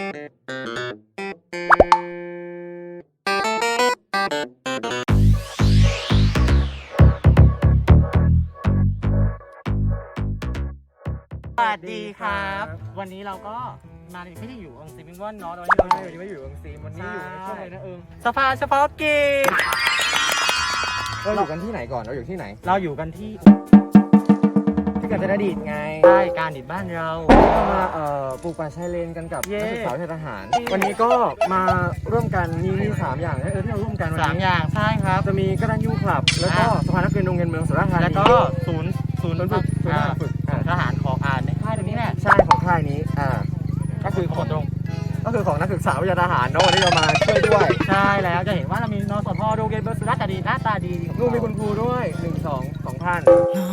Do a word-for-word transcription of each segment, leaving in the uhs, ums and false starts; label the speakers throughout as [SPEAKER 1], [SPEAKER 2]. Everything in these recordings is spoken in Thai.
[SPEAKER 1] สวัสดีครับวันนี้เราก็มาไม่ได้อยู่องซีมิงวอนเนาะตอนนี้เราอยู่ไม่อยู่องซีวันนี้อยู่ในช่วงอะไรนะเอิงสภาเฉพาะกิจ
[SPEAKER 2] เราอยู่กันที่ไหนก่อนเราอยู่ที่ไหน
[SPEAKER 1] เราอยู่กันที่
[SPEAKER 2] ที่กาญจนดิตไง
[SPEAKER 1] ใช่การดิตบ้านเรา
[SPEAKER 2] มาเอ่อปลูกป่าชายเลนกันกับนักศึกษาวิชาทหารวันนี้ก็มาร่วมกันมีสามอย่างเออที่เราร่วมกัน
[SPEAKER 1] สามอย่างใช่ครับ
[SPEAKER 2] จะมีกตัญญูคลับแล้วก็สภานักเรียนโรงเรียนเมืองสุราษฎร์ธานี
[SPEAKER 1] แล้วก็ศูนย์ศูนย์ฝึกศูนย์ฝึกทหารของอ่านในค่ายตรงนี้แหละ
[SPEAKER 2] ใช่ของค่ายนี้อ่า
[SPEAKER 1] ก็คือของตรง
[SPEAKER 2] ก็คือของนักศึกษาวิชาทหารเนาะวันนี้เรามาช่วยด้วย
[SPEAKER 1] ใช่แล้วจะเห็นว่าเรามีนสพโรงเรียนเมืองสุราษฎร์ธานีหน้าตาดี
[SPEAKER 2] ลูกมีคุณครูด้วยหนึ่งสองสองท่าน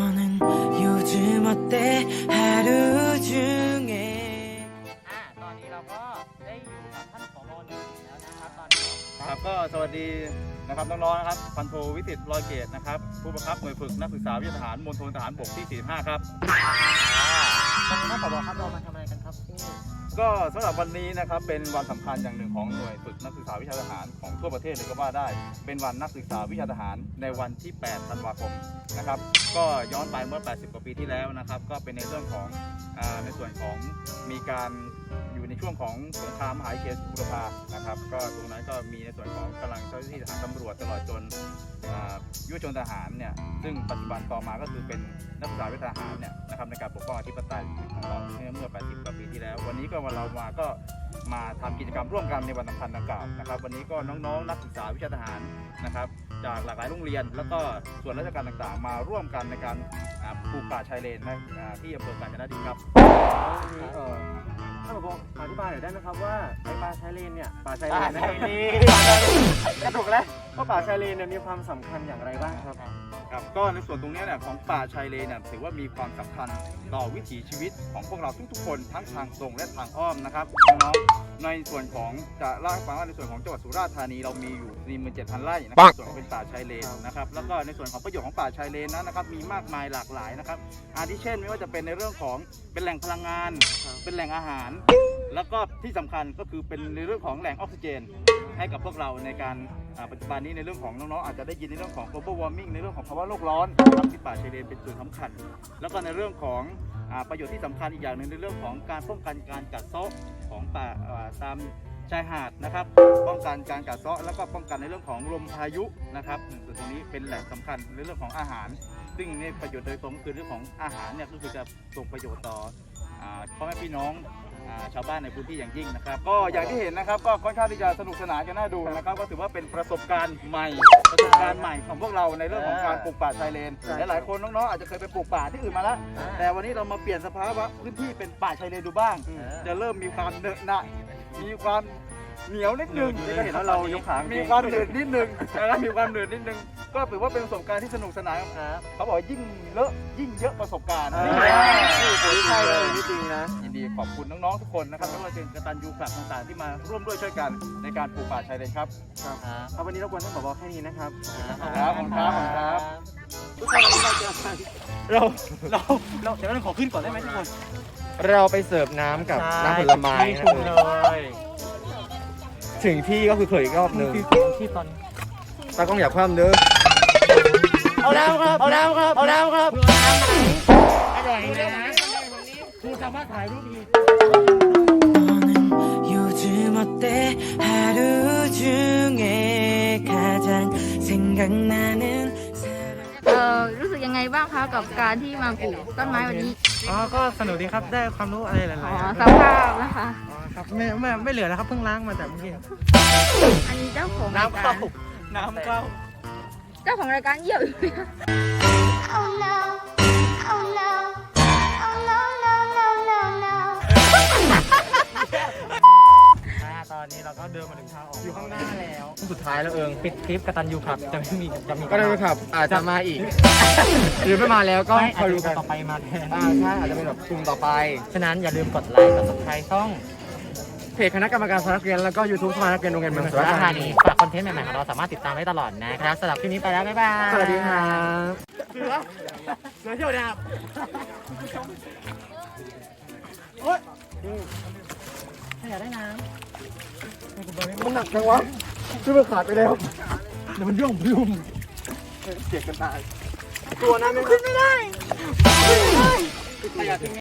[SPEAKER 1] ตอนนี้เราก็ได้อยู่กับท่านผอ.หนึ่งแล้วนะครับตอนนี้
[SPEAKER 3] ครับก็สวัสดีนะครับน้องๆนะครับพันโทวิสิตรอยเกตนะครับผู้บังคับหน่วยฝึกนักศึกษาวิชาทหารมณฑลทหารบกที่สี่สิบห้าครับ
[SPEAKER 1] ตอนนี้ท่านผอ.ครับเรามาทำอะไรกันครับ
[SPEAKER 3] ก็สำหรับวันนี้นะครับเป็นวันสำคัญอย่างหนึ่งของหน่วยฝึกนักศึกษาวิชาทหารของทั่วประเทศเลยก็ว่าได้เป็นวันนักศึกษาวิชาทหารในวันที่แปดธันวาคมนะครับก็ย้อนไปเมื่อแปดสิบกว่าปีที่แล้วนะครับก็เป็นในเรื่องของอ่าในส่วนของมีการอยู่ในช่วงของสงครามมหาวิทยาลัยบูรพานะครับก็ตรงนั้นก็มีในส่วนของกำลังเจ้าหน้าที่ทหารตำรวจตลอดจนยุวชนทหารเนี่ยซึ่งปัจจุบันต่อมาก็คือเป็นนักศึกษาวิชาทหารเนี่ยนะครับในการปกป้องอธิปไตยของเราเมื่อแปดสิบกว่าปีที่แล้ววันนี้ก็วันเรามาก็มาทำกิจกรรมร่วมกันในวันสำคัญดังกล่าวนะครับวันนี้ก็น้องๆนักศึกษาวิชาทหารนะครับจากหลากหลายโรงเรียนแล้วก็ส่วนราชการต่างๆมาร่วมกันในการปลูกป่าชายเลนนะที่อำเภอกาญจนดิตครับ
[SPEAKER 2] ท่านผอ.อธิบายหน่อยได้ไหมครับว่าไอ้ป่าชายเลนเนี่ยป่าชายเลนนะกระถูกแล้วว่าป่าชายเลนเนี่ยมีความสำคัญอย่างไรบ้างครับ
[SPEAKER 3] ครับก็ในส่วนตรงนี้เนี่ยของป่าชายเลนเนี่ยถือว่ามีความสำคัญต่อวิถีชีวิตของพวกเราทุกๆคนทั้งทางตรงและทางอ้อมนะครับน้องในส่วนของจะเล่าให้ฟังว่าในส่วนของจังหวัดสุราษฎร์ธานีเรามีอยู่ สี่หมื่นเจ็ดพัน ไร่นะครับส่วนเป็นป่าชายเลนนะครับแล้วก็ในส่วนของประโยชน์ของป่าชายเลนนั้นนะครับมีมากมายหลากหลายนะครับอาทิเช่นไม่ว่าจะเป็นในเรื่องของเป็นแหล่งพลังงานเป็นแหล่งอาหารแล้วก็ที่สำคัญก็คือเป็นในเรื่องของแหล่งออกซิเจนให้กับพวกเราในการปัจจุบันนี้ในเรื่องของน้องๆอาจจะได้ยินในเรื่องของ global warming ในเรื่องของภาวะโลกร้อนนะครับที่ป่าชายเลนเป็นจุดสำคัญแล้วก็ในเรื่องของประโยชน์ที่สำคัญอีกอย่างหนึ่งในเรื่องของการป้องกันการกัดเซาะของป่าตามชายหาดนะครับป้องกันการกัดเซาะแล้วก็ป้องกันในเรื่องของลมพายุนะครับส่วนตรงนี้เป็นแหล่งสำคัญในเรื่องของอาหารซึ่งในประโยชน์โดยตรงคือเรื่องของอาหารเนี่ยก็คือจะส่งประโยชน์ต่อพ่อแม่พี่น้องชาวบ้านในพื้นที่อย่างยิ่งนะครับก็อย่างที่เห็นนะครับก็ค่อนข้างที่จะสนุกสนานกันน่าดูนะครับก็ถือว่าเป็นประสบการณ์ใหม่ประสบการณ์ใหม่ของพวกเราในเรื่องของการปลูกป่าชายเลนหลายๆคนน้องๆอาจจะเคยไปปลูกป่าที่อื่นมาแล้วแต่วันนี้เรามาเปลี่ยนสภาวะพื้นที่เป็นป่าชายเลนดูบ้างจะเริ่มมีความเนอะหนะมีความเหนียวนิดนึง
[SPEAKER 2] นี่ก็เห็นว่าเรายกขา
[SPEAKER 3] มีความเหนื่อยนิดนึงนะครับมีความเหนื่อยนิดนึงก็ถือว่าเป็นประสบการณ์ที่สนุกสนานเขาบอกยิ่งเลอะยิ่งเยอะประสบการณ์นี่ใช่เลยจริงนะยินดีขอบคุณน้องๆทุกคนนะครับไม่ว่าจะเป็นกตัญญูคลับต่างๆที่มาร่วมด้วยช่วยกันในการปลูกป่าชายเลนครับ
[SPEAKER 2] เอาวันนี้รบกวนท่านผอ.แค่นี้นะครับ
[SPEAKER 3] ครับผมครับผมครับทุกคนเราเจอกัน
[SPEAKER 1] เราเราเราเดี๋ยวเราขอขึ้นก่อนได้ไหมทุกคน
[SPEAKER 2] เราไปเสิร์ฟน้ำกับน้ำผลไม้
[SPEAKER 1] เลย
[SPEAKER 2] ถึงที่ก็คือเคยอีกรอบหนึ่ง
[SPEAKER 1] ที่ตอน
[SPEAKER 2] ตากล้องอยากคว่ำเด้อ
[SPEAKER 1] เอาแล้วครับเอาแล้วครับเอาแล้วครับอร่อยเลยนะคือสามารถถ่ายรูปดี
[SPEAKER 4] เอ่อรู้สึกยังไงบ้างคะกับการที่มาปลูกต้นไม้วันนี้
[SPEAKER 1] อ๋อก็สนุกดีครับได้ความรู้อะไรหลายๆ
[SPEAKER 4] อ๋อสภาพนะคะ
[SPEAKER 1] ครับไม่ไม่ไม่เหลือแล้วครับเพิ่งล้างมาแต่เมื่อกี้
[SPEAKER 4] อันนี้เจ้าของ
[SPEAKER 1] น้ำเข้าน้ำเข้า
[SPEAKER 4] เจ้าของรายการเยี่ยม
[SPEAKER 1] ตอนนี้เราก็เดินมาถึงทางออก
[SPEAKER 2] อยู่ข้างหน้าแล้วสุดท้ายแล้วเอิง
[SPEAKER 1] ปิดคลิปกตัญญูครับจะไม่มีจะมี
[SPEAKER 2] ก็ได้ครับอาจจะมาอีกหรือไม่มาแล้วก็
[SPEAKER 1] คอยดูกันต่อไปมาแทน
[SPEAKER 2] อ่าใช่อาจจะเป็นแบบกลุ่มต่อไป
[SPEAKER 1] ฉะนั้นอย่าลืมกดไลค์กดซับสไครต์ช่อง
[SPEAKER 2] เพจคณะกรรมการสารเรียนแล้วก็ ยูทูบ สภานักเรียนโรงเรียนเมืองสุราษฎร์ธานี
[SPEAKER 1] ฝากคอนเทนต์ใหม่ๆของเราสามารถติดตามได้ตลอดนะครับสำหรับคลิปนี้ไปแล้วบ๊ายบาย
[SPEAKER 2] สวัสดีครับ
[SPEAKER 1] เสือเสือเที่ยวดาบโอ๊ยรอยากได้น้ำให้กูเบิร์น
[SPEAKER 2] มันหนักจังวะช่วยมันขาดไปแล้วเดี๋ยวมันย่องยุ่งเสียกันตายตัวนั้นไม่ขึ้นไม่ได้
[SPEAKER 1] ใครอยากกิน